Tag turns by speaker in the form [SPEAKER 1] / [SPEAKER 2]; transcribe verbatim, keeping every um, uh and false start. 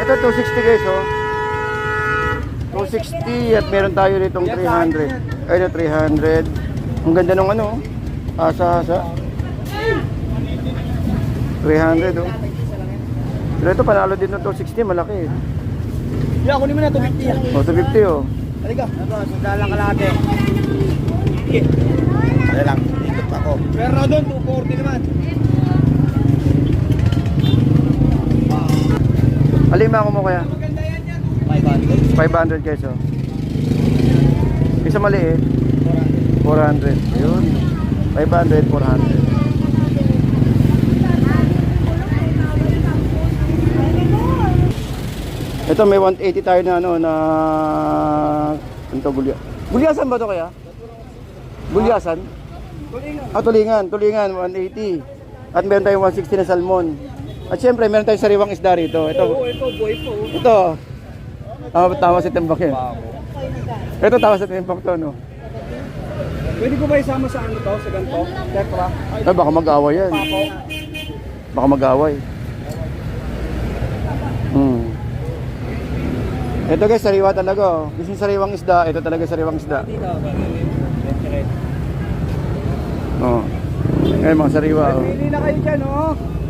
[SPEAKER 1] ito two sixty guys, oh. two sixty at meron tayo ditong three hundred. Ay, na three hundred. Ang ganda nung ano, asa-asa. three hundred, oh. Pero ito, panalo din ng two sixty, malaki eh.
[SPEAKER 2] Hindi, ako naman na two fifty yan.
[SPEAKER 1] Oh, two fifty, oh.
[SPEAKER 2] Halika. Ito, sundalang kalate. Sige. Dali lang, ikot ako. Pero doon, two forty naman.
[SPEAKER 1] Alima ako mo kaya?
[SPEAKER 2] five hundred.
[SPEAKER 1] five hundred guys, oh. Isa maliit. four hundred. Ayun. five hundred, four hundred. Ito may one eighty tayo na ano na ito gulya. Gulyasan ba to kaya? Gulyasan?
[SPEAKER 2] Tulingan.
[SPEAKER 1] Ah, tulingan, tulingan one eighty. At meron tayong one sixty na salmon. At syempre meron tayong sariwang isda rito. Ito.
[SPEAKER 2] Oo, ito, boy po.
[SPEAKER 1] Ito. Tama, tama si Timbak yan. Ito tama si Timbak to, no?
[SPEAKER 2] Pwede ko ba isama sa ano to, sa ganito? Tekra?
[SPEAKER 1] Ay, baka mag-away yan.
[SPEAKER 2] Papo.
[SPEAKER 1] Baka mag-away. Hmm. Ito guys, sariwa talaga, oh. Gusto yung sariwang isda, ito talaga sariwang isda. Oh. Ngayon mga sariwa, oh.
[SPEAKER 2] Pili na kayo dyan, oh.